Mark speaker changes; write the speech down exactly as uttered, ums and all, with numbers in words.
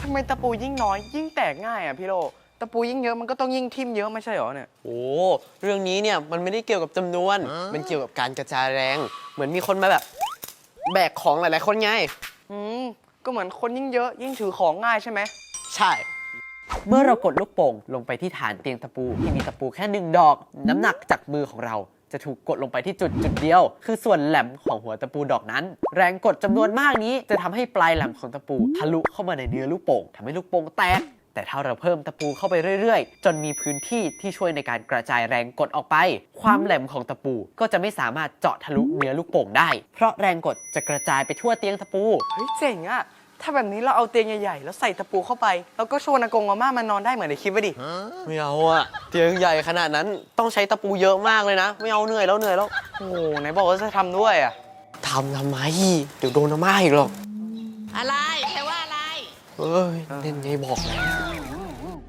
Speaker 1: ำไมตะปูยิ่งน้อยยิ่งแตกง่ายอ่ะพี่โลตะปูยิ่งเยอะมันก็ต้องยิ่งทิ่มเยอะไม่ใช่หรอเนี่ย
Speaker 2: โอ้เรื่องนี้เนี่ยมันไม่ได้เกี่ยวกับจำนวนมันเกี่ยวกับการกระจายแรงเหมือนมีคนมาแบบแบกของหลายๆคนไง
Speaker 1: อืมก็เหมือนคนยิ่งเยอะยิ่งถือของง่ายใช่ไหม
Speaker 2: ใช่เมื่อเรากดลูกโป่งลงไปที่ฐานเตียงตะปูที่มีตะปูแค่หนึ่งดอกน้ำหนักจากมือของเราจะถูกกดลงไปที่จุดจุดเดียวคือส่วนแหลมของหัวตะปูดอกนั้นแรงกดจำนวนมากนี้จะทำให้ปลายแหลมของตะปูทะลุเข้ามาในเนื้อลูกโป่งทำให้ลูกโป่งแตกแต่ถ้าเราเพิ่มตะปูเข้าไปเรื่อยๆจนมีพื้นที่ที่ช่วยในการกระจายแรงกดออกไปความแหลมของตะปูก็จะไม่สามารถเจาะทะลุเนื้อลูกโป่งได้เพราะแรงกดจะกระจายไปทั่วเตียงตะปู
Speaker 1: เฮ้ยเจ๋งอะถ้าแบบนี้เราเอาเตียงใหญ่ๆแล้วใส่ตะปูเข้าไปแล้วก็ชวนอากงอาม่ามานอนได้เหมือนในคลิปไว้ดิ
Speaker 2: ไม่เอาอะเตียงใหญ่ขนาดนั้นต้องใช้ตะปูเยอะมากเลยนะไม่เอาเหนื่อยแล้วเหนื่อยแล้ว
Speaker 1: โอ้ไหนบอกว่าจะทำด้วยอะ
Speaker 2: ทำทำไมเดี๋ยวโดนอาม่าอีกหรอก
Speaker 3: อะไรแปลว่าอะไร
Speaker 2: เอ้ยเล่นไงบอกแล้ว